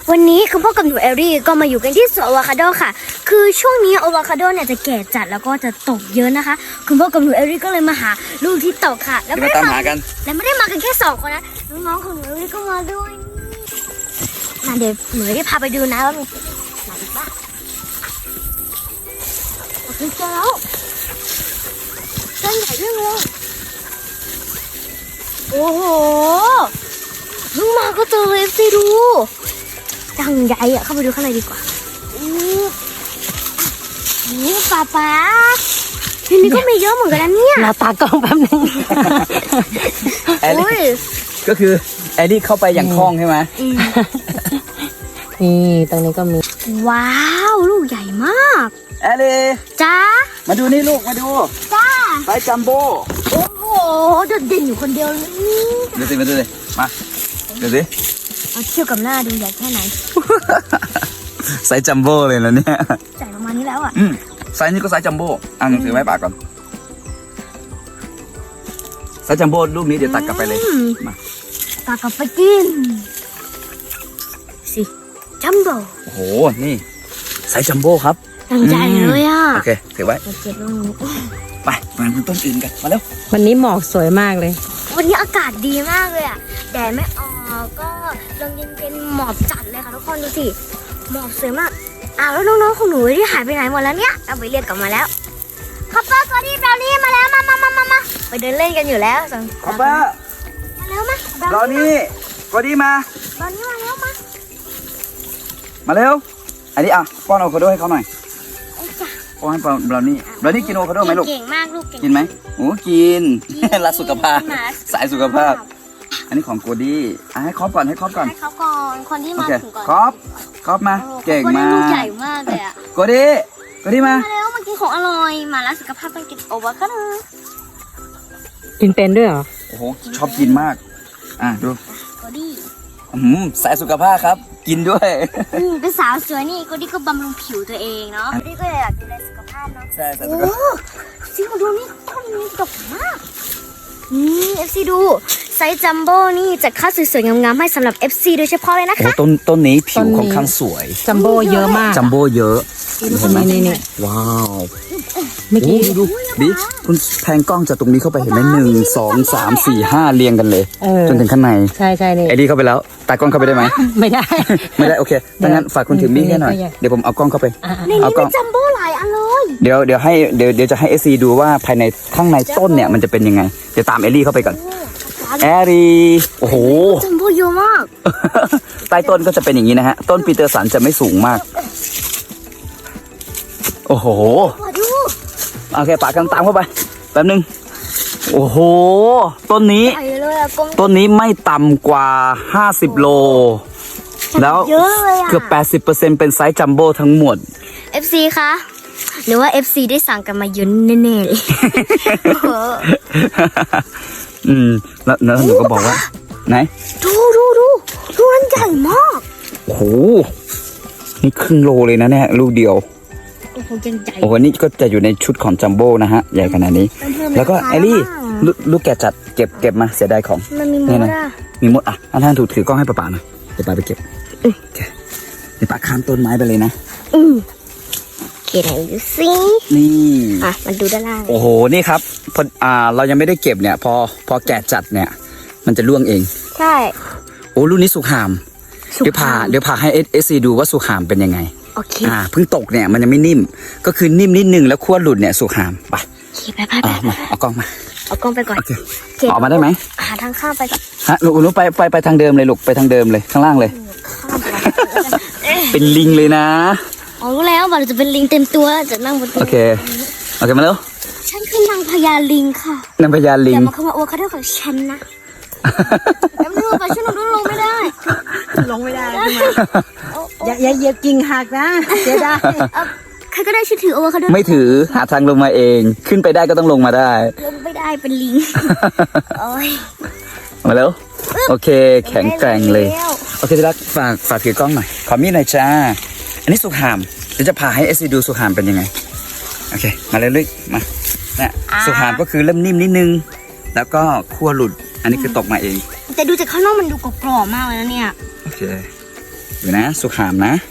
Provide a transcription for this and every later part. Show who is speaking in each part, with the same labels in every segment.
Speaker 1: วันนี้คุณพ่อกับหนูเอรี่ก็มาอยู่กันที่สวนอะโวคาโดค่ะคือช่วงนี้อะโวคาโดเนี่ยจะแก่จัดแล้วก็จะตกเยอะนะคะคุณพ่อกับหนูเอรี่ก็เลยมาหาลูกที่ตกค่ะแล้วไม่ได้
Speaker 2: ตามหากัน
Speaker 1: และไม่ได้มากันแค่2 คนนะน้องๆของหนูเอรี่ก็มาด้วยมาเดี๋ยวหนูเอรี่พาไปดูนะว่ามีไหนบ้างโอเคเจอแล้วต้นใหญ่ด้วยเลยโอ้โหเพิ่งมาก็เจอเลยสิดูดังใหญ่อะเข้าไปดูข้างในดีกว่านี่ป๊าทีนี้ก็มีเยอะเหมือนกันนะเนี่ย
Speaker 3: เราตากล้องแป๊บนึง
Speaker 2: แอลลี่ก็คือแอลลี่เข้าไปอย่างคล่องใช่ไหม
Speaker 3: นี่ตรงนี้ก็มี
Speaker 1: ว้าวลูกใหญ่มาก
Speaker 2: แอลลี่
Speaker 1: จ้า
Speaker 2: มาดูนี่ลูกมาดู
Speaker 1: จ้า
Speaker 2: ไซส์จัมโบ้
Speaker 1: โอ้โหโดดเด่นอยู่คนเดียวเลย
Speaker 2: ดูสิมาดูสิมาดูสิ
Speaker 1: เอาเทียบกับหน้าดูใหญ่แค่ไหน
Speaker 2: ไซส์จัมโบ้เลยนะเนี่ย
Speaker 1: ใหญ่ประมาณนี้แล้วอ่ะ
Speaker 2: ไซส์นี้ก็ไซส์จัมโบ้อ่ะหนังสือไว้ปากก่อนไซส์จัมโบ้ลูกนี้เดี๋ยวตัดกลับไปเลยมา
Speaker 1: ตากลับไปกินสิจัมโบ้
Speaker 2: โอ้โหนี่ไซส์จัมโบ้ครับ
Speaker 1: ดังใหญ่เลยอ่ะ
Speaker 2: โอเคถือไว้
Speaker 1: เจ็บตรงนี้
Speaker 2: ไปมาดูต้นอื่นกันมาเร็ว
Speaker 3: วันนี้หมอกสวยมากเลย
Speaker 1: วันนี้อากาศดีมากเลยอ่ะแดดไม่ออกก็ลมเย็นๆหมอกจัดเลยค่ะทุกคนดูสิหมอกสวยมากแล้วน้องๆของหนูที่หายไปไหนหมดแล้วเนี่ยเอาไปเรียกกลับมาแล้วคอปเปอร์กอดี้บราวนี่มาแล้วมาไปเดินเล่นกันอยู่แล้วสั่ง
Speaker 2: คอปเปอร์
Speaker 1: มาแล้วมาร
Speaker 2: อนี่กอดี้มา
Speaker 1: บราวนี่มาแล้วมา
Speaker 2: มาเร็วอันนี้อ่ะป้อนอะโวคาโดให้เขาหน่อย
Speaker 1: ไอ้จ้ะ
Speaker 2: ป้อนให้บราวนี่กินอะโวคาโดไหมลูก
Speaker 1: เก่งมากลูกเก่ง
Speaker 2: กินไหมโอ้กิน รักสุขภาพ สายสุขภาพ อันนี้ของโกดี้ให้ครอบก่อนให้ครอบก่อน
Speaker 1: ให้เขาก่อนคนที่
Speaker 2: โอ
Speaker 1: มา
Speaker 2: เค
Speaker 1: ถึงก่อน
Speaker 2: ครอบมา เก่งมา
Speaker 1: ลูก
Speaker 2: ก
Speaker 1: ใหญ่มากเลยอ่ะ
Speaker 2: โกดี้มา
Speaker 1: มาแล้วมากินของอร่อยมาแล้วสุขภาพต้องกินโอวาคาโด
Speaker 3: กินเป็นด้วยเหรอ
Speaker 2: โอ้โหชอบกินมากดู
Speaker 1: กอดี้
Speaker 2: สายสุขภาพครับ กินด้วย
Speaker 1: เป็นสาวสวยนี่กอดี้ก็บำรุงผิวตัวเองเนาะกอดี้ก็อยากดูแลสุขภาพเนาะ
Speaker 2: ใช่สายสุ
Speaker 1: โอ้
Speaker 2: ขภาพ
Speaker 1: จริงมาดูนี่ต้นนี้ดกมากนี่ FC ดูไซส์จัมโบ้นี่จัดค่าสวยๆงามๆให้สำหรับ FC โดยเฉพาะเลยนะ
Speaker 2: โอ้
Speaker 1: คะ
Speaker 2: ต้นนี้ผิวค่อนข้างสวย
Speaker 3: จัมโบ้เยอะมาก
Speaker 2: จัมโบ้เยอะเห็นไหม
Speaker 3: นี่
Speaker 2: ว้าว
Speaker 3: เมื่อกี้
Speaker 2: ดูบิ๊กคุณแพงกล้องจากตรงนี้เข้าไปเห็นไหม1 2 3 4 5เรียงกันเลย จนถึงข้างใน
Speaker 3: ใช่นี่
Speaker 2: ไอดีเข้าไปแล้วตากล้องเข้าไปได้ไหม
Speaker 3: ไม่ได้
Speaker 2: ไม่ได้โอเคดังนั้นฝากคุณถือมีดให้หน่อย เดี๋ยวผมเอากล้องเข้าไป
Speaker 1: ใน
Speaker 2: เอา
Speaker 1: นี้
Speaker 2: กล้
Speaker 1: มี
Speaker 2: อง
Speaker 1: จัมโบ้หลายอันเลย
Speaker 2: เดี๋ยวจะให้เอซีดูว่าภายในข้างในต้นเนี่ยมันจะเป็นยังไง เดี๋ยวตามเอลี่เข้าไปก่อนแอรี่โอ้โห
Speaker 1: จัมโบ้เยอะมาก
Speaker 2: ใต้ต้นก็จะเป็นอย่างนี้นะฮะ ต้นปีเตอร์สันจะไม่สูงมาก โอ้โห
Speaker 1: มาดู
Speaker 2: โอเคปากกันตามเข้าไปแป๊บนึงโอ้โหต้นนี้
Speaker 1: ใหญ่เลยอะกลม
Speaker 2: ต้นนี้ไม่ต่ำกว่า50 โล แล้ว
Speaker 1: เยอะเลยอะ
Speaker 2: เกือบ 80%เป็นไซส์จัมโบ้ทั้งหมด
Speaker 1: FC คะหรือว่า FC ได้สั่งกันมาเยอะแน่ๆเลย
Speaker 2: แล้วหนูก็บอกว่า ไหน
Speaker 1: ดูมันใหญ่มาก
Speaker 2: โอ้โห นี่ครึ่งโลเลยนะเนี่ยลูกเดียว
Speaker 1: โอ้โหยังใหญ่
Speaker 2: โอ้โห นี่ก็จะอยู่ในชุดของจัมโบ้นะฮะ ใหญ่ขนาดนี้ แล้วก็ไอรี่ลูกแกะจัดเก็บมาเสียดายของ
Speaker 1: มันมีม
Speaker 2: นี่
Speaker 1: ด
Speaker 2: นะ
Speaker 1: อ่ะ
Speaker 2: มีมดท่านถือกล้องให้ป้าหน่อยเดี๋ยวป้าไปเก็บโอเคเดี๋ยวป้าข้ามต้นไม้ไปเลยนะ
Speaker 1: โอเคไหนดูสิ
Speaker 2: นี่
Speaker 1: มันดูด้านล่าง
Speaker 2: โอ้โห นี่ครับพอเรายังไม่ได้เก็บเนี่ย พอแกะจัดเนี่ย มันจะร่วงเอง
Speaker 1: ใช่
Speaker 2: โอ้รุ่นนี้สุกหาม เดี๋ยวพาให้เอซีดูว่าสุกหามเป็นยังไง
Speaker 1: โอเค
Speaker 2: เพิ่งตกเนี่ยมันยังไม่นิ่ม ก็คือนิ่มนิดนึงแล้วขั้วหลุดเนี่ยสุกหามไป
Speaker 1: โอเคไป
Speaker 2: มาเอากล้องมา
Speaker 1: เอากล้องไปก่อน
Speaker 2: โอเคออกมาได้ไหม
Speaker 1: หาทางข้ามไปก่อน
Speaker 2: ฮะลูกไปทางเดิมเลยลูกไปทางเดิมเลยข้างล่างเลย
Speaker 1: ข้ามไป
Speaker 2: เป็นลิงเลยนะ
Speaker 1: อ๋อรู้แล้วว่าเราจะเป็นลิงเต็มตัวจะนั่งบนตัว
Speaker 2: โอเคมาเร็ว
Speaker 1: ฉันคือนางพญาลิงค่ะ
Speaker 2: นางพญาลิ
Speaker 1: อง ย่ามาเข้ามาโอคาโดของฉันนะแล้วไม่รู้ไปช่วยหนูด้วยลงไม่ได้
Speaker 3: ลงไม่ได้ใช่ไหมอย่าเหยียบกิ่งหักนะเสียดาย
Speaker 1: ใครก็ได้ช่วยถือโอคาโด
Speaker 2: ไม่ถือหาทางลงมาเอง ขึ้นไปได้ก็ต้องลงมาได้
Speaker 1: ลงไม่ได้เป็นลิงโอ้ย
Speaker 2: มาแล้วโอเค แข็งแกร่งเลย โอเคที่รักฝากถือกล้องหน่อยขอมีดหน่อยจ้าอันนี้สุกหามเดี๋ยวจะพาให้เอซีดูสุกหามเป็นยังไงโอเคมาเลยลึกมาเนี่ยสุกหามก็คือเริ่มนิ่มนิดนึงแล้วก็ขั้วหลุดอันนี้คือตกมาเอง
Speaker 1: แต่ดูจากข้างนอกมันดูกรอบๆมากเลยนะเนี่ย
Speaker 2: โอเคดูนะสุขามนะ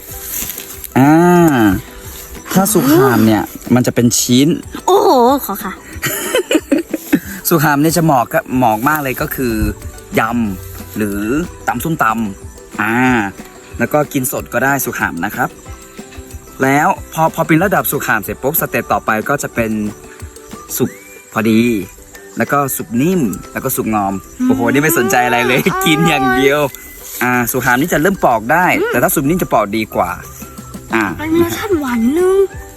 Speaker 2: ถ้าสุขามเนี่ยมันจะเป็นชิ้น
Speaker 1: โอ้โหขอค่ะ
Speaker 2: สุขามเนี่ยจะเหมาะมากเลยก็คือยำหรือตำส้มตำแล้วก็กินสดก็ได้สุขามนะครับ แล้วพอเป็นระดับสุขามเสร็จปุ๊บสเต็ปต่อไปก็จะเป็นสุกพอดี แล้วก็สุกนิ่มแล้วก็สุกงอมโอ้โหนี่ไม่สนใจอะไรเลย กินอย่างเดียวสุขามนี่จะเริ่มปอกได้ แต่ถ้าสุกนิ่มจะปอกดีกว่า
Speaker 1: มันมีรสชาติหวานนึง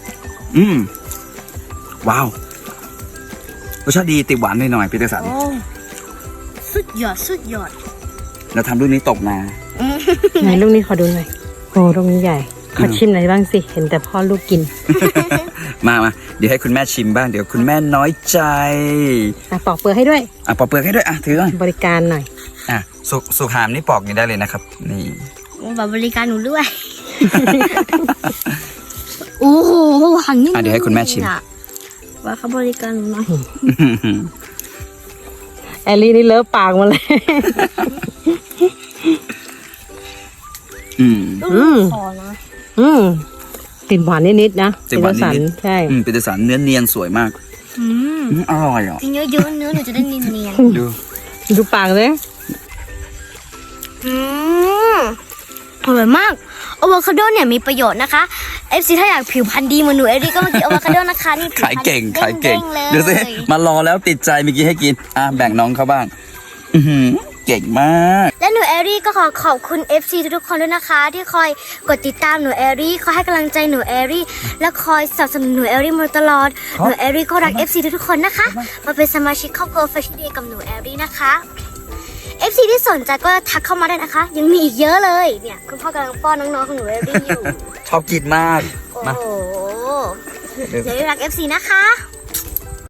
Speaker 2: ว้าวรสชาติดีติดหวานหน่อยๆพี่เตสัน
Speaker 1: สุดยอด
Speaker 2: แล้วทำลูกนี้ตกมา
Speaker 3: ไหนลูกนี้ขอดูหน่อยโอ้ลูกนี้ใหญ่ขอชิมหน่อยบ้างสิเห็นแต่พ่อลูกกิน
Speaker 2: มาเดี๋ยวให้คุณแม่ชิมบ้างเดี๋ยวคุณแม่น้อยใจ
Speaker 3: ปอกเปลือกให้ด้วย
Speaker 2: ปอกเปลือกให้ด้วยถือก่อน
Speaker 3: บริการหน่อย
Speaker 2: สุขามนี่ปอกนี่ได้เลยนะครับนี่
Speaker 1: แบบบริการหนูด้วย โอ้โหหวานนี่
Speaker 2: เดี๋ยวให้คุณแม่ชิม
Speaker 1: ว่าเขาบริการหนูหน่อย
Speaker 3: แอลลี่นี่เลอะปากมาเลย
Speaker 1: ขอนะ
Speaker 3: ติดหวานนิดๆนะ
Speaker 2: ติดหวานนิด
Speaker 3: ใช่
Speaker 2: ปีเตสันเนื้อเนียนสวยมากอร่อยอ่ะ
Speaker 1: กินเยอะๆเนื้อหนูจะได้เนียน
Speaker 3: ดูปากเลย
Speaker 1: อร่อยมากอะโวคาโดเนี่ยมีประโยชน์นะคะ FC ถ้าอยากผิวพรรณดีเหมือนหนูเอริก็มากินอะโวคาโดนะคะนี่ผิวพร
Speaker 2: ขาย
Speaker 1: รณ
Speaker 2: เก่ง
Speaker 1: ด้ๆเลย
Speaker 2: ดูสิมารอแล้วติดใจเมื่อกี้ให้กินแบ่งน้องเขาบ้างเก่งมาก
Speaker 1: และหนูเอรี่ก็ขอบคุณ FC ทุกๆคนด้วยนะคะ ที่คอยกดติดตามหนูเอรี่คอยให้กำลังใจหนูเอรี่และคอยสนับสนุนหนูเอรี่มาตลอดหนูเอรี่ก็รัก FC ทุกๆคนนะคะมาเป็นสมาชิกครอบครัว Fashion Day กับหนูเอรี่นะคะ FC ที่สนใจก็ทักเข้ามาได้นะคะ ยังมีอีกเยอะเลยเนี่ยคุณพ่อกำลังป้อนน้องๆของหนูเอรี่อยู่
Speaker 2: ชอบกินมาก
Speaker 1: โอ้โหเดี๋ยวรัก FC นะคะ